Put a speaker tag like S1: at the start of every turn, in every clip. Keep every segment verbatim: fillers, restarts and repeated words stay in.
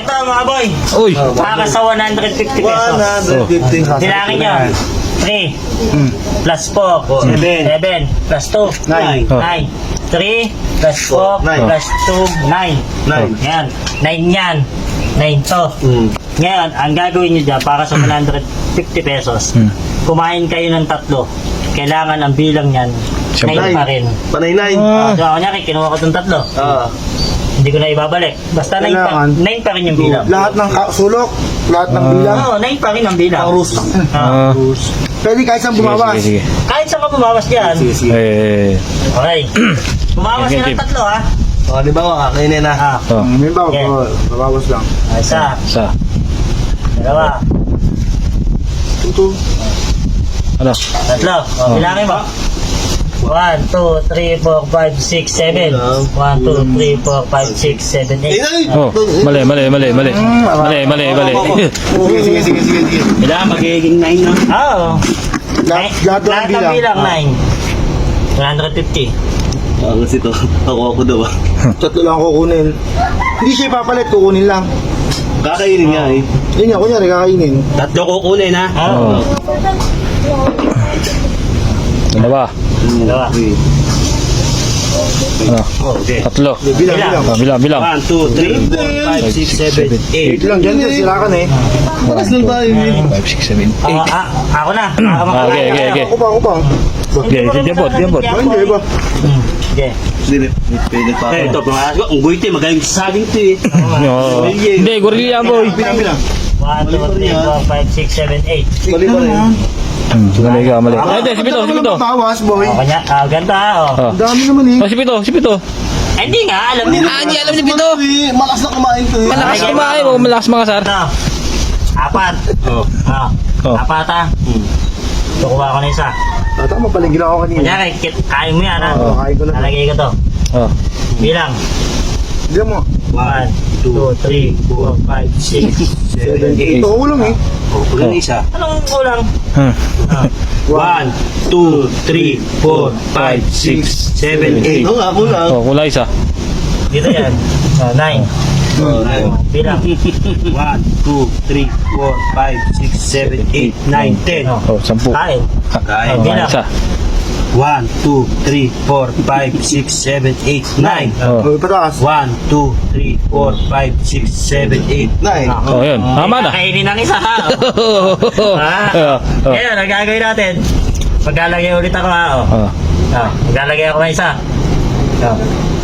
S1: Ito mga boy.
S2: Uy.
S1: Para sa one hundred fifty pesos.
S3: one hundred fifty.
S1: Bilangin nyo. three
S2: Hmm.
S1: plus four.
S3: Seven.
S1: seven plus two.
S3: Nine.
S2: Oh.
S1: nine. three plus four
S3: Nine.
S1: plus two. nine.
S3: Nine.
S1: Yan. nine yan. nine to.
S3: Mm.
S1: Ngayon, ang gagawin nyo dyan para sa one hundred fifty pesos,
S2: Hmm.
S1: kumain kayo ng tatlo. Kailangan ang bilang yan,
S2: Siyempre.
S1: nine pa rin.
S3: Panay nine.
S2: Ah.
S1: So, kunyari, kinuha ko itong tatlo.
S3: Ah.
S1: Hindi ko na ibabalik. Basta nine pa,
S4: Kailangan.
S1: nine pa rin yung bilang.
S4: Lahat ng ka- sulok, lahat ng
S2: Ah.
S4: bilang.
S1: Oo, nine pa rin ang bilang.
S3: Ang rules.
S1: Ah.
S2: Ah.
S4: Pwede kahit saan
S2: Sige,
S4: bumawas.
S2: sige, sige.
S1: Kahit saan ka bumawas dyan.
S3: Sige, sige.
S2: Eh.
S1: Okay. Bumawas
S2: Sige,
S1: ka ng
S2: Tim.
S1: tatlo, ha?
S3: O, di ba mga kainin na?
S1: Ah.
S2: Oh.
S4: Hmm, may bawa,
S1: Yeah.
S4: oh, babawas lang.
S1: Isa.
S2: Sa.
S1: Dalawa.
S4: Ito.
S2: Ano?
S1: Tatlo. O,
S2: Oh.
S1: bilangin mo. one, two, three, four, five, six, seven. one, two, three, four, five, six, seven, eight.
S2: Oh. Mali, mali, mali, mali. Mali, mali, mali.
S4: Sige, sige, sige, sige, sige.
S3: Kailangan magiging nine na.
S1: Oo.
S4: Lahat,
S1: Nine-
S4: lahat ng
S1: Lahat ng
S4: bilang.
S1: bilang, nine. one hundred fifty.
S3: Ah, kasi to. Ako ako daw ah.
S4: Tatlo lang kukunin. Hindi siya ipapalit, kukunin lang.
S3: Kakainin nga eh.
S4: Yun nga, kunyari kakainin.
S3: Tatlo kukunin ha.
S2: Oh. Dalawa.
S1: Dalawa.
S3: Okay.
S2: Ano?
S3: Okay.
S2: Tatlo.
S4: Bilang,
S1: Bilang.
S4: bilang.
S2: Oh, bilang, bilang.
S3: one, two, three, four, five, six, seven, eight.
S4: Ito lang dyan, sir, sila ka na eh.
S3: Paras lang tayo eh.
S2: five, six, seven, eight.
S1: Ah, ah, ako na. Ako
S2: Ah,
S1: makakain
S2: okay, okay,
S1: na.
S2: okay.
S4: Ako pa, ako pa.
S2: Okay, diyan po, diyan po.
S4: Ba, hindi ba?
S1: Hmm, okay.
S3: Sige, pwede pa ako. Eh, ito, pumakas ko. Ang guwite, magaling sa saging to eh.
S2: Oh. Hindi, gorilla boy.
S4: Bilang, bilang.
S1: one, two, three, four, five, six, seven, eight.
S3: Mali pa rin.
S2: Hmm, mali ka, mali. Ay, hindi, si Pito, si Pito.
S4: Bawas, boy.
S1: O, kanya, ah, ganda, oh.
S2: Oh.
S4: Ang dami naman eh.
S2: Oh, si Pito, si Pito.
S1: Eh, hindi nga, alam niyo.
S2: Ah, hindi alam ni Pito.
S3: Malakas na kumain to eh.
S2: Malakas kumain mo, malakas mga sar.
S1: Ito. Apat.
S3: Oh.
S1: Ah,
S2: Oh.
S1: apat, ha? Tukuha ko na isa.
S4: Ah, tama pala, ginawa ko kanina.
S1: Kunyari, kit- kain mo yan, ha?
S4: Oo, kain ko na.
S1: Nalagay ko to.
S2: Oh.
S1: Bilang.
S4: Diyan mo.
S1: one, two, three, four, five, six, seven, eight.
S4: Ito, ulang eh.
S3: Oh, kulang isa.
S1: Anong kulang?
S2: Hmm.
S1: Ah,
S3: One, two, three, four, five, six, seven, eight. Oo nga, kulang.
S2: Oh, kulay isa.
S1: dito yan. Ah, nine.
S3: Oh, nine.
S1: Bilang.
S3: One, two, three, four, five, six, seven, eight, nine, ten.
S2: Oh, sampu.
S1: Kain.
S3: Kain.
S2: Oh,
S1: Bilang.
S2: isa.
S3: One, two, three, four, five, six, seven, eight, nine.
S2: Oh.
S4: Oh, pataas.
S3: One, two, three, four, five, six, seven, eight, nine.
S2: Oh, yun. Tama na.
S1: Kainin ng isa, ha?
S2: Oh.
S1: Ah.
S2: Oh.
S1: Ngayon, ang gagawin natin, maglalagay ulit ako, ha? Oh.
S2: Oh.
S1: Ah, maglalagay ako ng isa. Oh.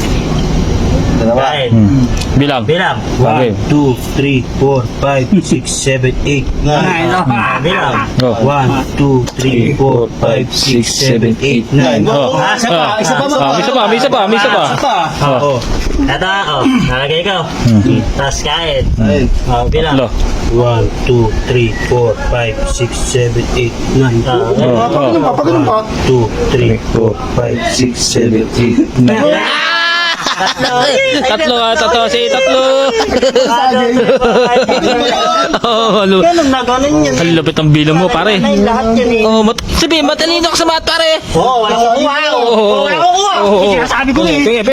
S3: Dalawa.
S1: Kain.
S2: Hmm. Bilang.
S1: Bilang.
S2: Okay.
S3: One, two, three, four, five, six, seven, eight, nine.
S1: Ah, bilang.
S2: Oh.
S3: One, two, three, four, five, six, seven, eight, nine.
S2: Oh.
S1: Ah, isa pa, isa pa,
S2: Ah, isa pa, may isa pa, may isa pa.
S1: Oh. Ito, oh. Nalagay ko. Tapos kain.
S3: Nine.
S1: Oh, bilang.
S2: Tatlo.
S3: One, two, three, four, five, six, seven, eight, nine.
S1: Ah,
S2: Oh.
S4: Papagano pa, papagano pa.
S3: Two, three, four, five, six, seven, eight, nine.
S1: Tatlo.
S2: Tatlo ah, tatlo si tatlo. Oh, halu.
S1: Ganun na, ganun yun.
S2: Ang lupit ang bilang mo, pare.
S1: Ay, lahat yun eh.
S2: Oh, mat sabi, matalino ka sa math, pare.
S1: Oo, wala ko kuha.
S2: Oh,
S1: Wala ko kuha.
S2: oh, oh.
S1: Sinasabi ko eh.
S2: Sige,